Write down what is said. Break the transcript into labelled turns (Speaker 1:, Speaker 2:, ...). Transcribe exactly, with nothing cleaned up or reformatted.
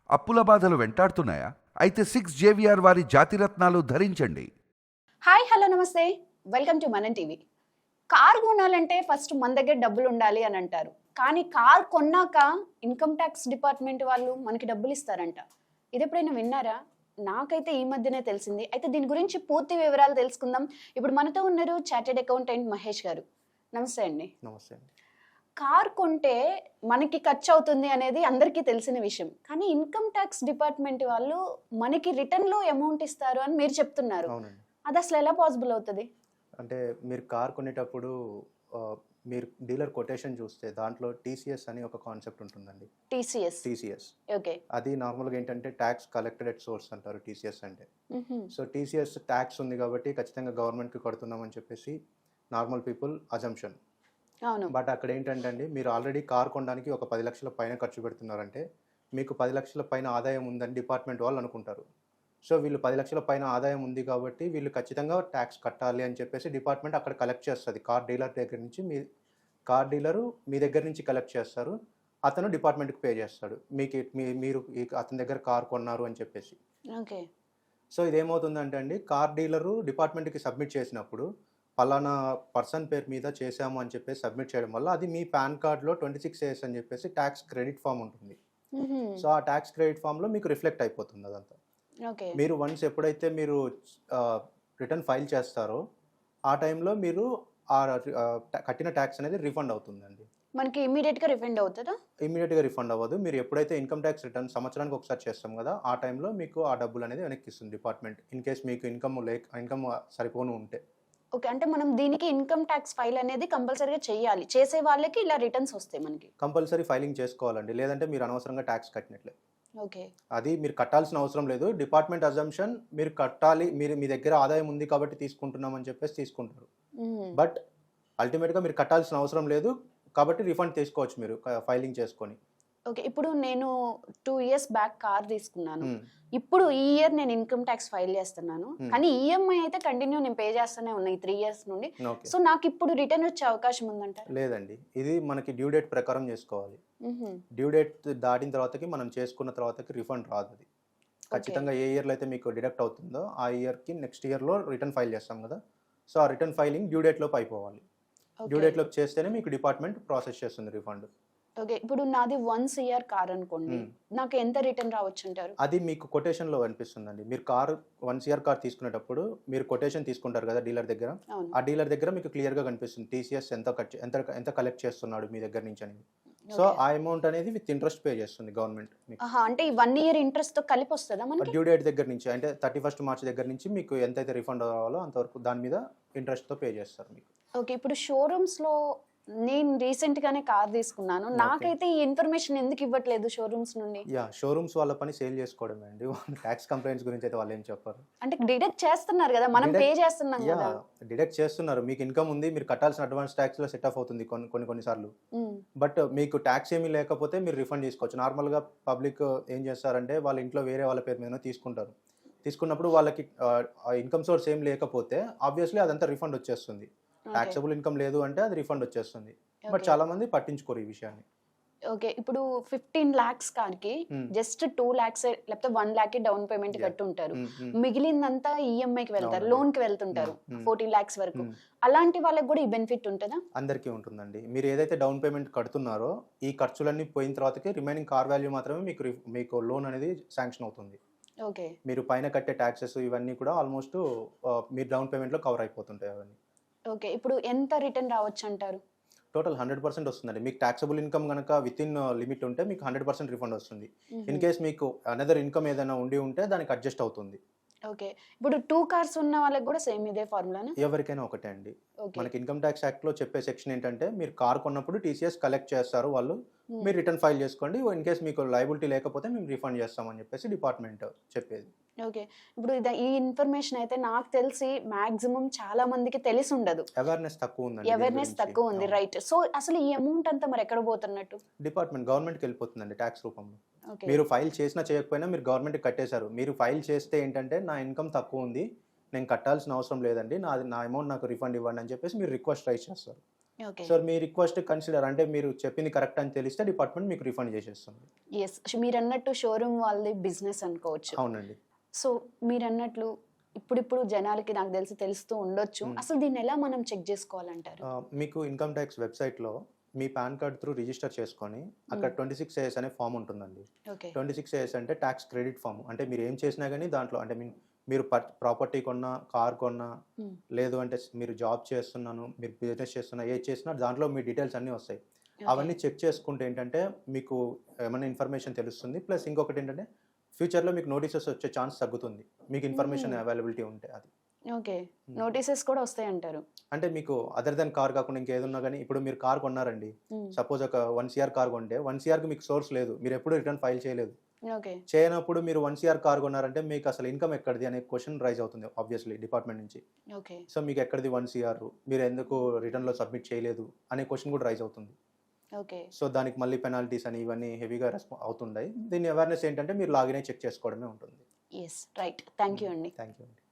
Speaker 1: అప్పుల బాధలు వెంటాడుతున్నాయా? అయితే సిక్స్ జేవిఆర్ వారి జాతిరత్నాలు ధరించండి.
Speaker 2: హాయ్ హలో నమస్తే, welcome to Manam TV. Car కొనాలంటే ఫస్ట్ మన దగ్గర డబ్బులు ఉండాలి అని అంటారు, కానీ కార్ కొన్నాక ఇన్కమ్ ట్యాక్స్ డిపార్ట్మెంట్ వాళ్ళు మనకి డబ్బులు ఇస్తారంట. ఇది ఎప్పుడైనా విన్నారా? నాకైతే ఈ మధ్యనే తెలిసింది. అయితే దీని గురించి పూర్తి వివరాలు తెలుసుకుందాం. ఇప్పుడు మనతో ఉన్నారు చార్టెడ్ అకౌంటెంట్ మహేష్ గారు. నమస్తే అండి.
Speaker 3: నమస్తే అండి.
Speaker 2: కార్ కొంటే మనకి ఖర్చు అవుతుంది అనేది అందరికీ తెలిసిన విషయం, కానీ ఇన్కమ్ ట్యాక్స్ డిపార్ట్మెంట్ వాళ్ళు మనకి రిటర్న్ లో అమౌంట్ ఇస్తారు అని మీరు చెప్తున్నారు.
Speaker 3: అవునండి.
Speaker 2: అది అసలు ఎలా పాసిబుల్ అవుతుంది?
Speaker 3: అంటే మీరు కార్ కొనేటప్పుడు ఆ, మీరు డీలర్ కొటేషన్ చూస్తే దాంట్లో టీసీఎస్ అని ఒక కాన్సెప్ట్ ఉంటుందండి.
Speaker 2: టీసీఎస్.
Speaker 3: TCS
Speaker 2: okay.
Speaker 3: అది నార్మల్గా ఏంటంటే ట్యాక్స్ కలెక్టెడ్ ఎట్ సోర్స్ అంటారు టీసీఎస్ అంటే. సో టీసీఎస్ ట్యాక్స్ ఉంది కాబట్టి ఖచ్చితంగా గవర్నమెంట్కి కడుతున్నామని చెప్పేసి నార్మల్ పీపుల్ అజంప్షన్.
Speaker 2: అవును.
Speaker 3: బట్ అక్కడ ఏంటంటే అండి, మీరు ఆల్రెడీ కార్ కొనడానికి ఒక పది లక్షల పైన ఖర్చు పెడుతున్నారంటే మీకు పది లక్షల పైన ఆదాయం ఉందని డిపార్ట్మెంట్ వాళ్ళు అనుకుంటారు. సో వీళ్ళు పది లక్షల పైన ఆదాయం ఉంది కాబట్టి వీళ్ళు ఖచ్చితంగా ట్యాక్స్ కట్టాలి అని చెప్పేసి డిపార్ట్మెంట్ అక్కడ కలెక్ట్ చేస్తుంది. కార్ డీలర్ దగ్గర నుంచి మీ కార్ డీలరు మీ దగ్గర నుంచి కలెక్ట్ చేస్తారు, అతను డిపార్ట్మెంట్కి పే చేస్తాడు మీకు మీ మీరు అతని దగ్గర కార్ కొన్నారు అని చెప్పేసి.
Speaker 2: ఓకే.
Speaker 3: సో ఇదేమవుతుందంటే అండి, కార్ డీలరు డిపార్ట్మెంట్కి సబ్మిట్ చేసినప్పుడు పలానా పర్సన్ పేరు మీద చేశాము అని చెప్పేసి సబ్మిట్ చేయడం వల్ల అది మీ పాన్ కార్డ్లో ట్వంటీ సిక్స్ ఏఎస్ అని చెప్పేసి ట్యాక్స్ క్రెడిట్ ఫామ్ ఉంటుంది. సో ఆ ట్యాక్స్ క్రెడిట్ ఫామ్లో మీకు రిఫ్లెక్ట్ అయిపోతుంది అదంతా.
Speaker 2: ఓకే.
Speaker 3: మీరు వన్స్ ఎప్పుడైతే మీరు రిటర్న్ ఫైల్ చేస్తారో ఆ టైంలో మీరు ఆ కట్టిన ట్యాక్స్ అనేది రిఫండ్ అవుతుందండి.
Speaker 2: మనకి ఇమీడియట్ గా రిఫండ్ అవుతుందా?
Speaker 3: ఇమీడియట్గా రిఫండ్ అవ్వదు. మీరు ఎప్పుడైతే ఇన్కమ్ ట్యాక్స్ రిటర్న్ సంవత్సరానికి ఒకసారి చేస్తాం కదా, ఆ టైంలో మీకు ఆ డబ్బులు అనేది వెనక్కి ఇస్తుంది డిపార్ట్మెంట్, ఇన్ కేస్ మీకు ఇన్కమ్ లేక ఇన్కమ్ సరిపోను ఉంటే.
Speaker 2: ఓకే, అంటే మనం దీనికి ఇన్కమ్ ట్యాక్స్ ఫైల్ అనేది కంపల్సరీగా చేయాలి. చేసే వాళ్ళకి ఇలా రిటర్న్స్ వస్తాయి మనకి.
Speaker 3: కంపల్సరీ ఫైలింగ్ చేసుకోవాలండి, లేదంటే మీరు అనవసరంగా ట్యాక్స్ కట్టినట్లే.
Speaker 2: ఓకే.
Speaker 3: అది మీరు కట్టాల్సిన అవసరం లేదు. డిపార్ట్మెంట్ అజంప్షన్ మీరు కట్టాలి, మీరు మీ దగ్గర ఆదాయం ఉంది కాబట్టి తీసుకుంటున్నామని చెప్పేసి తీసుకుంటారు. బట్ అల్టిమేట్గా మీరు కట్టాల్సిన అవసరం లేదు కాబట్టి రిఫండ్ తీసుకోవచ్చు మీరు ఫైలింగ్ చేసుకొని.
Speaker 2: ఓకే. ఇప్పుడు నేను టూ ఇయర్స్ బ్యాక్ కార్ తీసుకున్నాను. ఇప్పుడు ఈ ఇయర్ నేను ఇన్కమ్ ట్యాక్స్ ఫైల్ చేస్తున్నాను, కానీ ఈఎంఐ అయితే కంటిన్యూ నేను పే చేస్తూనే ఉన్నా ఈ త్రీ ఇయర్స్ నుండి. సో నాకు ఇప్పుడు రిటర్న్ వచ్చే అవకాశం ఉందంటారా?
Speaker 3: లేదండి, ఇది మనకి డ్యూ డేట్ ప్రకారం చేసుకోవాలి. డ్యూ డేట్ దాటిన తర్వాతకి మనం చేసుకున్న తర్వాతకి రిఫండ్ రాదు. అది ఖచ్చితంగా ఏ ఇయర్లో అయితే మీకు డిడక్ట్ అవుతుందో ఆ ఇయర్కి నెక్స్ట్ ఇయర్లో రిటర్న్ ఫైల్ చేస్తాం కదా, సో ఆ రిటర్న్ ఫైలింగ్ డ్యూ డేట్లోపు అయిపోవాలి. డ్యూ డేట్లోకి చేస్తేనే మీకు డిపార్ట్మెంట్ ప్రాసెస్ చేస్తుంది రిఫండ్.
Speaker 2: ఓకే. ఇప్పుడు నాది వన్స్ ఇయర్ కార్ అనుకోండి, నాకు ఎంత రిటర్న్ రావచ్చు అంటారు?
Speaker 3: అది మీకు కొటేషన్లో అనిపిస్తుందండి. మీరు కార్ వన్స్ ఇయర్ కార్ తీసుకునేటప్పుడు మీరు కొటేషన్ తీసుకుంటారు కదా డీలర్ దగ్గర, ఆ డీలర్ దగ్గర మీకు క్లియర్గా కనిపిస్తుంది టీసీఎస్ ఎంత ఎంత ఎంత కలెక్ట్ చేస్తున్నాడు మీ దగ్గర నుంచి అనేది. సో ఆ అమౌంట్ అనేది విత్ ఇంట్రెస్ట్ పే చేస్తుంది గవర్నమెంట్.
Speaker 2: అంటే ఈ వన్ ఇయర్ ఇంట్రెస్ట్ తో కలిపి వస్తుందా మనకి?
Speaker 3: డ్యూ డేట్ దగ్గర నుంచి, అంటే థర్టీ ఫస్ట్ మార్చ్ దగ్గర నుంచి మీకు ఎంతైతే రిఫండ్ అవ్వాలో అంతవరకు దాని మీద ఇంట్రెస్ట్తో పే చేస్తారు మీకు.
Speaker 2: ఓకే. ఇప్పుడు షోరూమ్స్ లో నేను రీసెంట్ గానే కార్ తీసుకున్నాను, నాకైతే ఈ ఇన్ఫర్మేషన్ ఎందుకు ఇవ్వట్లేదు షోరూమ్స్ నుండి?
Speaker 3: యా, షోరూమ్స్ వాళ్ళ పని సేల్ చేసుకోవడమే అండి. ట్యాక్స్ కంప్లైంట్స్ గురించి అయితే వాళ్ళు ఏం చెప్పారు.
Speaker 2: అంటే డిడక్ట్ చేస్తున్నారు కదా, మనం పే చేస్తున్నాం కదా.
Speaker 3: డిడక్ట్ చేస్తున్నారు, మీకు ఇన్కమ్ ఉంది, మీరు కట్టాల్సిన అడ్వాన్స్ ట్యాక్స్ లో సెట్ ఆఫ్ అవుతుంది కొన్ని కొన్ని కొన్నిసార్లు. బట్ మీకు ట్యాక్స్ ఏమీ లేకపోతే మీరు రిఫండ్ చేసుకోవచ్చు. నార్మల్ గా పబ్లిక్ ఏం చేస్తారంటే వాళ్ళ ఇంట్లో వేరే వాళ్ళ పేరు మీద తీసుకుంటారు. తీసుకున్నప్పుడు వాళ్ళకి ఇన్కమ్ సోర్స్ ఏం లేకపోతే ఆబ్వియస్లీ అదంతా రిఫండ్ వచ్చేస్తుంది. టాక్సబుల్ ఇన్కమ్ లేదు అంటే అది రిఫండ్ వచ్చేస్తుంది. బట్ చాలా మంది పట్టించుకోరు ఈ విషయాన్ని.
Speaker 2: ఓకే. ఇప్పుడు ఫిఫ్టీన్ లాక్స్ కార్ కి జస్ట్ టూ లాక్స్ లేకపోతే వన్ లాక్ డౌన్ పేమెంట్ కట్టి ఉంటారు, మిగిలిందంతా ఈఎంఐ కి వెళ్తారు, లోన్ కి వెళ్తుంటారు ఫోర్టీన్ లాక్స్ వరకు. అలాంటి వాళ్ళకి కూడా ఈ బెనిఫిట్ ఉంటుందా?
Speaker 3: అందరికీ ఉంటుందండి. మీరు ఏదైతే డౌన్ పేమెంట్ కడుతున్నారో ఈ ఖర్చులన్నీ పోయిన తర్వాతకి రిమైనింగ్ కార్ వాల్యూ మాత్రమే మీకు మీకు లోన్ అనేది శాంక్షన్ అవుతుంది.
Speaker 2: ఓకే.
Speaker 3: మీరు పైన కట్టే ట్యాక్సెస్ ఇవన్నీ కూడా ఆల్మోస్ట్ మీరు డౌన్ పేమెంట్ లో కవర్ అయిపోతుంటాయి అవన్నీ.
Speaker 2: ఓకే. ఇప్పుడు ఎంత రిటర్న్ రావచ్చు అంటారు?
Speaker 3: టోటల్ హండ్రెడ్ పర్సెంట్ వస్తుందండి. మీకు ట్యాక్సబుల్ ఇన్కమ్ కనుక విత్ ఇన్ లిమిట్ ఉంటే మీకు హండ్రెడ్ పర్సెంట్ రిఫండ్ వస్తుంది. ఇన్ కేస్ మీకు అనదర్ ఇన్కమ్ ఏదైనా ఉండి ఉంటే దానికి అడ్జస్ట్ అవుతుంది.
Speaker 2: ఓకే. ఇప్పుడు టూ కార్స్ ఉన్న వాళ్ళకి కూడా సేమ్ ఇదే ఫార్ములానా?
Speaker 3: ఎవరికైనా ఒకటే అండి. మనకి ఇన్కమ్ ట్యాక్స్ యాక్ట్ లో చెప్పే సెక్షన్ ఏంటంటే మీరు కార్ కొన్నప్పుడు టీసీఎస్ కలెక్ట్ చేస్తారు వాళ్ళు, మీరు రిటర్న్ ఫైల్ చేసుకోండి, ఇన్ కేస్ మీకు లయబిలిటీ లేకపోతే మేము రిఫండ్ చేస్తామని చెప్పేసి డిపార్ట్మెంట్ చెప్పేది.
Speaker 2: ఓకే. ఇప్పుడు ఈ ఇన్ఫర్మేషన్ అయితే నాకు తెలిసి మాక్సిమం చాలా మందికి తెలిసి ఉండదు.
Speaker 3: అవేర్నెస్ తక్కువ ఉంది.
Speaker 2: అవేర్నెస్ తక్కువ ఉంది, రైట్. సో అసలు ఈ అమౌంట్ అంతా మరి ఎక్కడ పోతున్నట్టు?
Speaker 3: డిపార్ట్మెంట్ గవర్నమెంట్కి వెళ్ళిపోతుందండి ట్యాక్స్ రూపంలో. మీరు ఫైల్ చేసినా చేయకపోయినా మీరు గవర్నమెంట్కి కట్టేశారు. మీరు ఫైల్ చేస్తే ఏంటంటే నా ఇన్కమ్ తక్కువ ఉంది, నేను కట్టాల్సిన అవసరం లేదండి, నా నా అమౌంట్ నాకు రిఫండ్ ఇవ్వండి అని చెప్పేసి మీరు రిక్వెస్ట్ రైజ్ చేస్తారు.
Speaker 2: ఓకే.
Speaker 3: సో మీ రిక్వెస్ట్ కన్సిడర్ అంటే మీరు చెప్పింది కరెక్ట్ అని తెలిస్తే డిపార్ట్మెంట్ మీకు రిఫండ్ చేసేస్తుంది.
Speaker 2: ఎస్, మీరన్నట్టు షోరూమ్ వాళ్ళది బిజినెస్ అనుకోవచ్చు.
Speaker 3: అవునండి.
Speaker 2: సో మీరన్నట్లు ఇప్పుడిప్పుడు జనాలకి నాకు తెలిసి తెలుస్తూ ఉండొచ్చు.
Speaker 3: Hmm.
Speaker 2: అసలు దీన్ని ఎలా మనం చెక్ చేసుకోవాలంటారు?
Speaker 3: ఆ, మీకు ఇన్కమ్ ట్యాక్స్ వెబ్సైట్లో మీ పాన్ కార్డ్ త్రూ రిజిస్టర్ చేసుకొని అక్కడ ట్వంటీ సిక్స్ ఏఎస్ అనే ఫామ్ ఉంటుందండి.
Speaker 2: ఓకే.
Speaker 3: ట్వంటీ సిక్స్ ఏఎస్ అంటే ట్యాక్స్ క్రెడిట్ ఫామ్. అంటే మీరు ఏం చేసినా కానీ దాంట్లో అంటే మీన్ మీరు ప్రాపర్టీ కొన్నా, కార్ కొన్నా,
Speaker 2: Hmm.
Speaker 3: లేదు అంటే మీరు జాబ్ చేస్తున్నాను, మీరు బిజినెస్ చేస్తున్నా, ఏది చేసినా దాంట్లో మీ డీటెయిల్స్ అన్నీ వస్తాయి. అవన్నీ చెక్ చేసుకుంటే ఏంటంటే మీకు ఏమైనా ఇన్ఫర్మేషన్ తెలుస్తుంది. ప్లస్ ఇంకొకటి ఏంటంటే ఫ్యూచర్లో మీకు నోటీసెస్ వచ్చే ఛాన్స్ తగ్గుతుంది, మీకు ఇన్ఫర్మేషన్
Speaker 2: Hmm.
Speaker 3: అవైలబిలిటీ ఉంటే. అది
Speaker 2: ఓకే, నోటీసెస్ కూడా వస్తాయి అంటారు.
Speaker 3: అంటే మీకు అదర్ దెన్ కార్ కాకుండా ఇంకేదున్నా కానీ ఇప్పుడు మీరు కార్ కొన్నారండి, సపోజ్ ఒక వన్ సిఆర్ కార్ కొంటే వన్ సిఆర్కి మీకు సోర్స్ లేదు, మీరు ఎప్పుడు రిటర్న్ ఫైల్ చేయలేదు.
Speaker 2: ఓకే.
Speaker 3: చేయనప్పుడు మీరు వన్ సిఆర్ కార్ కొన్నారంటే మీకు అసలు ఇన్కమ్ ఎక్కడిది అనే క్వశ్చన్ రైజ్ అవుతుంది ఆబ్వియస్లీ డిపార్ట్మెంట్ నుంచి.
Speaker 2: ఓకే.
Speaker 3: సో మీకు ఎక్కడిది వన్ సిఆర్, మీరు ఎందుకు రిటర్న్లో సబ్మిట్ చేయలేదు అనే క్వశ్చన్ కూడా రైజ్ అవుతుంది.
Speaker 2: ఓకే.
Speaker 3: సో దానికి మళ్ళీ పెనాల్టీస్ అని ఇవన్నీ హెవీగా రెస్పా అవుతుంటాయి. దీని అవేర్నెస్ ఏంటంటే మీరు లాగిన్ అయి చెక్ చేసుకోవడమే ఉంటుంది.
Speaker 2: Yes, right. థ్యాంక్ యూ అండి.
Speaker 3: థ్యాంక్ యూ అండి.